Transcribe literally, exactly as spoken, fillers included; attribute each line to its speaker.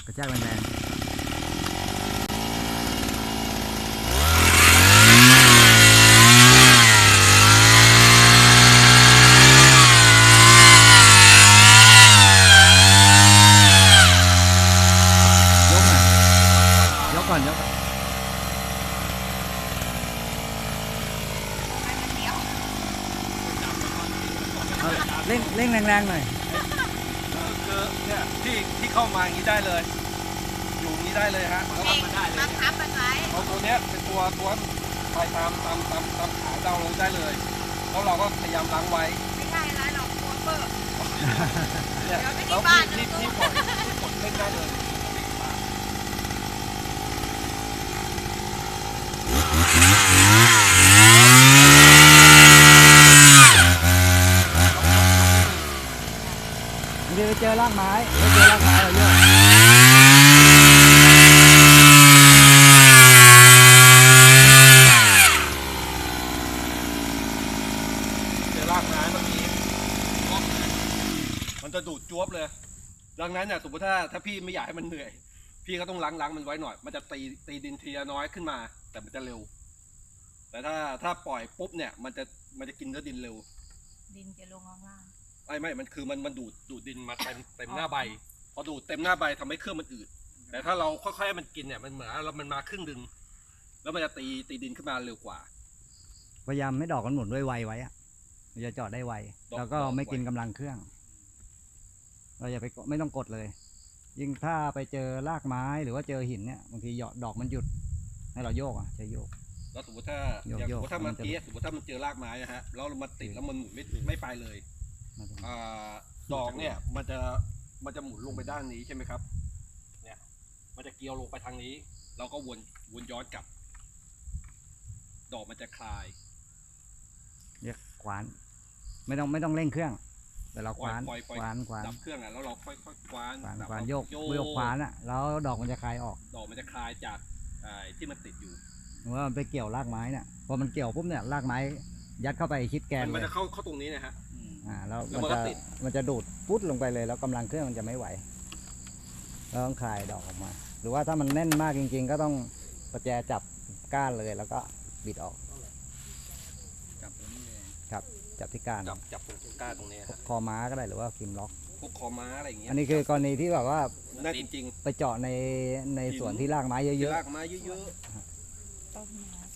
Speaker 1: กระแทกแรงๆยกหน่อยยกก่อนยกก่อนเอาเร่งเร่งแรงๆหน่อย
Speaker 2: คือเนี่ยที่ที่เข้ามาอย่างนี้ได้เลย อยู่อย่างนี้ได้เลยฮะแล้วมันได้เลย
Speaker 3: บังคับมันไว้
Speaker 2: เอาตัวเนี้ยเป็นตัวตัวไปตามตามตามตามขาดาวลงได้เลยแล้วเราก็พยายามล้างไว้
Speaker 3: ไม่ใช่ไรหรอกกลัวเปิด
Speaker 2: เนี่ย
Speaker 3: เดี๋ยวไม่มี
Speaker 2: แล้ว
Speaker 3: บ้าน
Speaker 2: ที่ที่ที่ปล่อยที่กดเล่นได้เลย
Speaker 1: เดี๋ยวไปเจอรากไม้ไปเจอรากไม้เราเยอะ
Speaker 2: เจอรากไม้มันมีมันจะดูดจวบเลยดังนั้นเนี่ยสมมติถ้าถ้าพี่ไม่อยากให้มันเหนื่อยพี่ก็ต้องล้างล้างมันไว้หน่อยมันจะตีตีดินทีละน้อยขึ้นมาแต่มันจะเร็วแต่ถ้าถ้าปล่อยปุ๊บเนี่ยมันจะมันจะกินเนื้อดินเร็ว
Speaker 3: ดินจะลงข้างล่าง
Speaker 2: ไม่ไม่มันคือมันมันดูดดูดดินมาเต็มเต็มหน้าใบพอดูดเต็มหน้าใบทำให้เครื่องมันอืดแต่ถ้าเราค่อยๆให้มันกินเนี่ยมันเหมือนเรามันมาครึ่งดึงแล้วมันจะตีตีดินขึ้นมาเร็วกว่า
Speaker 1: พยายามไม่ดอกมันหมุนด้วยไวไว้อะมันจะจอดได้ไว
Speaker 2: ดอก
Speaker 1: แล้วก็
Speaker 2: ดอก
Speaker 1: ไม่
Speaker 2: ไว
Speaker 1: กินกำลังเครื่อง เราอย่าไปกดไม่ต้องกดเลย ยิ่งถ้าไปเจอรากไม้หรือว่าเจอหินเนี่ยบางทีหยอดดอกมันหยุดให้เราโยกอ่ะใช้โยก
Speaker 2: แล้วสมมติถ้า
Speaker 1: โยก
Speaker 2: อย่าง
Speaker 1: โย
Speaker 2: ส
Speaker 1: ก
Speaker 2: มมติถ้ามัน
Speaker 1: มันจะ
Speaker 2: เกี้สมมติถ้ามันเจอรากไม้นะฮะแล้วเรามาติดแล้วมันหมุนไม่ไม่ไปเลยอ่าดอกเนี่ยมันจะมันจะหมุนลงไปด้านนี้ใช่ไหมครับเนี่ยมันจะเกี่ยวลงไปทางนี้เราก็วนวนย้อนกลับ ดอกมันจะคลาย
Speaker 1: เรียกขวาน ไม่ต้องไม่ต้องเร่งเครื่องแต่เราขวาน
Speaker 2: ปล่อยปล่อย
Speaker 1: ขวานขวาน
Speaker 2: ดับเครื่องอ่ะแล้วเราค่อยๆคว้าน
Speaker 1: ขวาน
Speaker 2: ดับ
Speaker 1: ขวาน
Speaker 2: แล้ว
Speaker 1: โยก
Speaker 2: โย
Speaker 1: โยกขวานอ่ะแล้วดอกมันจะคลายออก
Speaker 2: ดอกมันจะคลายจากไอ้ที่มันติดอยู่
Speaker 1: หรือว่ามันไปเกี่ยวรากไม้เนี่ยพอมันเกี่ยวปุ๊บเนี่ยรากไม้ยัดเข้าไปชิดแกน
Speaker 2: มัน
Speaker 1: เล
Speaker 2: มัน
Speaker 1: ย
Speaker 2: จะเข้าเข้าตรงนี้นะฮะ
Speaker 1: อ่าแล้ว
Speaker 2: แล้ว
Speaker 1: มัน
Speaker 2: มันก็
Speaker 1: จะ
Speaker 2: ติด
Speaker 1: มันจะดูดปุ๊ดลงไปเลยแล้วกำลังเครื่องมันจะไม่ไหวเราต้องคลายดอกออกมา หรือว่าถ้ามันแน่นมากจริงๆ ก็ต้องประแจจับก้านเลยแล้วก็บิดออก
Speaker 2: จับตรงนี้เอง
Speaker 1: ครับจับที่ก้าน
Speaker 2: จับจับตรงก้านตรงนี้ฮะ
Speaker 1: คอม้าก็ได้หรือว่าคิมล็อก
Speaker 2: พวกคอม้าอะไรอย่างเงี้ย
Speaker 1: อันนี้คือกรณีที่แบบว่า
Speaker 2: น่าจริง
Speaker 1: ไปเจาะในใน
Speaker 2: หิน
Speaker 1: ส่วนที่รากไม้
Speaker 2: ๆ
Speaker 1: เยอะ
Speaker 2: ลากไม้เยอะ
Speaker 3: ต้นไม้